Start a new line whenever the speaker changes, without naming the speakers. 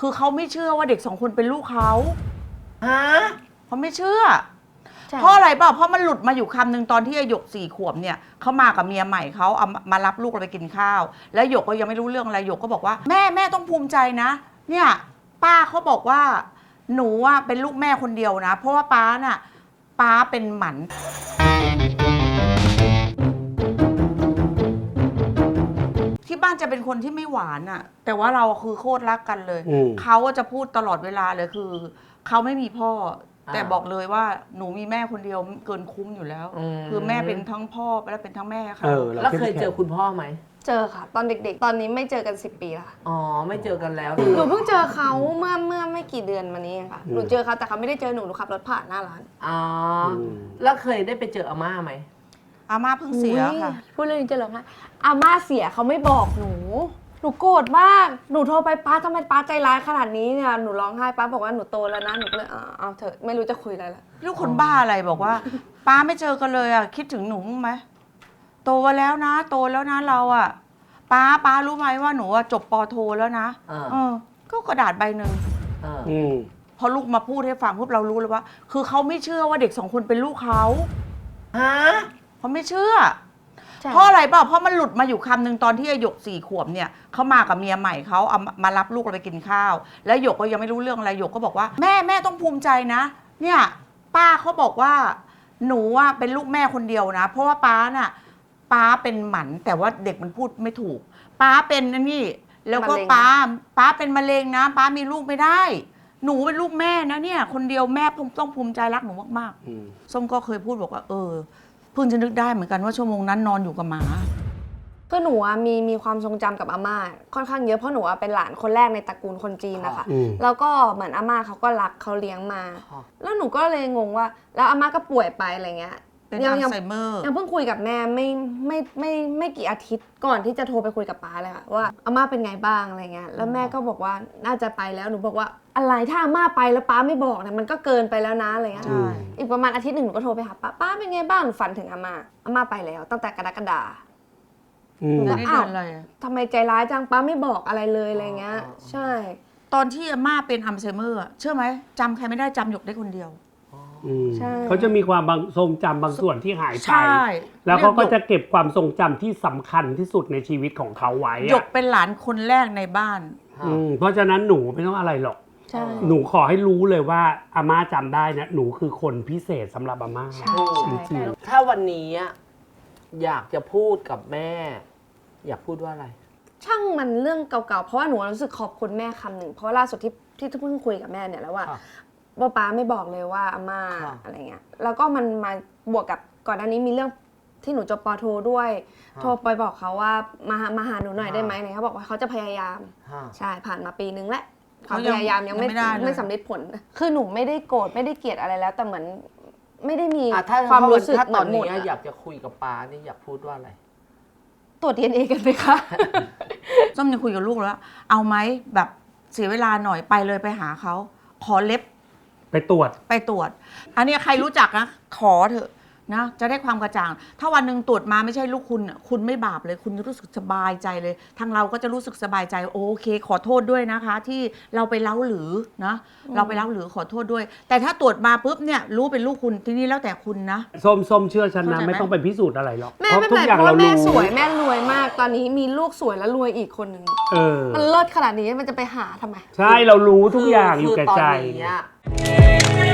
คือเขาไม่เชื่อว่าเด็ก2 คนเป็นลูกเขาเขาไม่เชื่อเพราะอะไรเปล่าเพราะมันหลุดมาอยู่คำหนึ่งตอนที่หยก4 ขวบเนี่ยเขามากับเมียใหม่เขาเอามารับลูกเราไปกินข้าวแล้วหยกก็ยังไม่รู้เรื่องอะไรหยกก็บอกว่าแม่ต้องภูมิใจนะเนี่ยป้าเขาบอกว่าหนูอ่ะเป็นลูกแม่คนเดียวนะเพราะว่าป้าเป็นหมันที่บ้านจะเป็นคนที่ไม่หวานอะแต่ว่าเราคือโคตรรักกันเลยเขาจะพูดตลอดเวลาเลยคือเขาไม่มีพ่อแต่บอกเลยว่าหนูมีแม่คนเดียวเกินคุ้มอยู่แล้วคือแม่เป็นทั้งพ่อและเป็นทั้งแม่ค่ะ
แล้วเคยเจอคุณพ่อไหม
เจอค่ะตอนเด็กๆตอนนี้ไม่เจอกัน10 ปีแล้วค่ะ
อ๋อไม่เจอกันแล้ว
หนูเพิ่งเจอเขาเมื่อไม่กี่เดือนมานี้ค่ะหนูเจอเขาแต่เขาไม่ได้เจอหนูขับรถผ่านหน้าร้าน
อ๋อแล้วเคยได้ไปเจออาม่าไหม
อาม่าเพิ่งเสียค่ะ
พูดเรื่องนี้จะร้องไห้อาม่าเสียเขาไม่บอกหนูโกรธมากหนูโทรไปป้าทำไมป้าใจร้ายขนาดนี้เนี่ยหนูร้องไห้ป้าบอกว่าหนูโตแล้วนะหนูก็เลยเอาเถอะไม่รู้จะคุยอะไรละ
ลูกคนบ้าอะไรบอกว่าป้าไม่เจอกันเลยอ่ะคิดถึงหนูไหมโตแล้วนะเราอ่ะป้ารู้ไหมว่าหนูจบป.โทแล้วนะก็กระดาษใบหนึ่งพอลูกมาพูดให้ฟังปุ๊บเรารู้เลยว่าคือเขาไม่เชื่อว่าเด็ก2 คนเป็นลูกเขาเขาไม่เชื่อเพราะอะไรเปล่าเพราะมันหลุดมาอยู่คำหนึ่งตอนที่หยก4 ขวบเนี่ยเขามากับเมียใหม่เขาเอามารับลูกเราไปกินข้าวแล้วหยกก็ยังไม่รู้เรื่องอะไรหยกก็บอกว่าแม่ต้องภูมิใจนะเนี่ยป้าเขาบอกว่าหนูอ่ะเป็นลูกแม่คนเดียวนะเพราะว่าป้าเป็นหมันแต่ว่าเด็กมันพูดไม่ถูกป้าเป็นนี่แล้วก็ป้าเป็นมะเร็งนะป้ามีลูกไม่ได้หนูเป็นลูกแม่นะเนี่ยคนเดียวแม่ต้องภูมิใจรักหนูมากๆส้มก็เคยพูดบอกว่าเพิ่งจะนึกได้เหมือนกันว่าชั่วโมงนั้นนอนอยู่กับหมา
คือหนูมีความทรงจำกับอาม่าค่อนข้างเยอะเพราะหนูเป็นหลานคนแรกในตระกูลคนจีนนะคะแล้วก็เหมือนอาม่าเขาก็รักเขาเลี้ยงมาแล้วหนูก็เลยงงว่าแล้วอาม่าก็ป่วยไปอะไรเงี้ย
เป็นอัลไซเมอร์
ยังเพิ่งคุยกับแม่ไม่กี่อาทิตย์ก่อนที่จะโทรไปคุยกับป้าเลยค่ะว่าอาม่าเป็นไงบ้างอะไรเงี้ยแล้วแม่ก็บอกว่าน่าจะไปแล้วหนูบอกว่าอะไรถ้าอาม่าไปแล้วป้าไม่บอกเนี่ยมันก็เกินไปแล้วนะอะไรเงี้ยอีกประมาณอาทิตย์หนึ่งหนูก็โทรไปหาป้าเป็นไงบ้างหนูฝันถึงอาม่าไปแล้วตั้งแต่กรกฎาคม
แล้วอ้าว
ทำไมใจร้ายจังป้าไม่บอกอะไรเลยอะไรเงี้ยใช่
ตอนที่อาม่าเป็นอัลไซเมอร์เชื่อไหมจำใครไม่ได้จำหยกได้คนเดียว
เขาจะมีความทรงจำบางส่วนที่หายไปแล้วเขาก็จะเก็บความทรงจำที่สำคัญที่สุดในชีวิตของเขาไว้
หยกเป็นหลานคนแรกในบ้าน
เพราะฉะนั้นหนูไม่ต้องอะไรหรอกหนูขอให้รู้เลยว่าอาม่าจำได้นะหนูคือคนพิเศษสำหรับอาม่าจริง
ๆถ้าวันนี้อยากจะพูดกับแม่อยากพูดว่าอะไร
ช่างมันเรื่องเก่าๆเพราะว่าหนูรู้สึกขอบคุณแม่คำหนึ่งเพราะล่าสุดที่เพิ่งคุยกับแม่เนี่ยแล้วว่าป้าไม่บอกเลยว่าอาม่าอะไรเงี้ยแล้วก็มันมาบวกกับก่อนหน้านี้มีเรื่องที่หนูจบป.โทด้วยโทรไปบอกเขาว่ามาหาหนูหน่อยได้ไหมเขาบอกว่าเขาจะพยายามใช่ผ่านมาปีนึงแล้วเขาพยายามยังไม่สำเร็จผลคือหนูไม่ได้โกรธไม่ได้เกลียดอะไรแล้วแต่เหมือนไม่ได้มีความรู้สึก
ตอนนี้อยากจะคุยกับป้านี่อยากพูดว่าอะไร
ตรวจ DNA กันไหมคะ
ส้มยังคุยกับลูกแล้วเอาไหมแบบเสียเวลาหน่อยไปเลยไปหาเขาขอเล็บ
ไปตรวจ
อันนี้ใครรู้จักนะขอเถอะนะจะได้ความกระจ่างถ้าวันหนึ่งตรวจมาไม่ใช่ลูกคุณไม่บาปเลยคุณจะรู้สึกสบายใจเลยทางเราก็จะรู้สึกสบายใจโอเคขอโทษด้วยนะคะที่เราไปเล้าหรือนะเราไปเล้าหรือขอโทษด้วยแต่ถ้าตรวจมาปุ๊บเนี่ยรู้เป็นลูกคุณทีนี้แล้วแต่คุณนะ
ส้มเชื่อฉันนะไม่ต้องไปพิสูจน์อะไรหรอก
เพราะทุกอย่างเรารู้แม่สวยแม่รวยมากตอนนี้มีลูกสวยแล้วรวยอีกคนนึงมันเลิศขนาดนี้มันจะไปหาทำไม
ใช่เรารู้ทุกอย่างอยู่แก่ใจ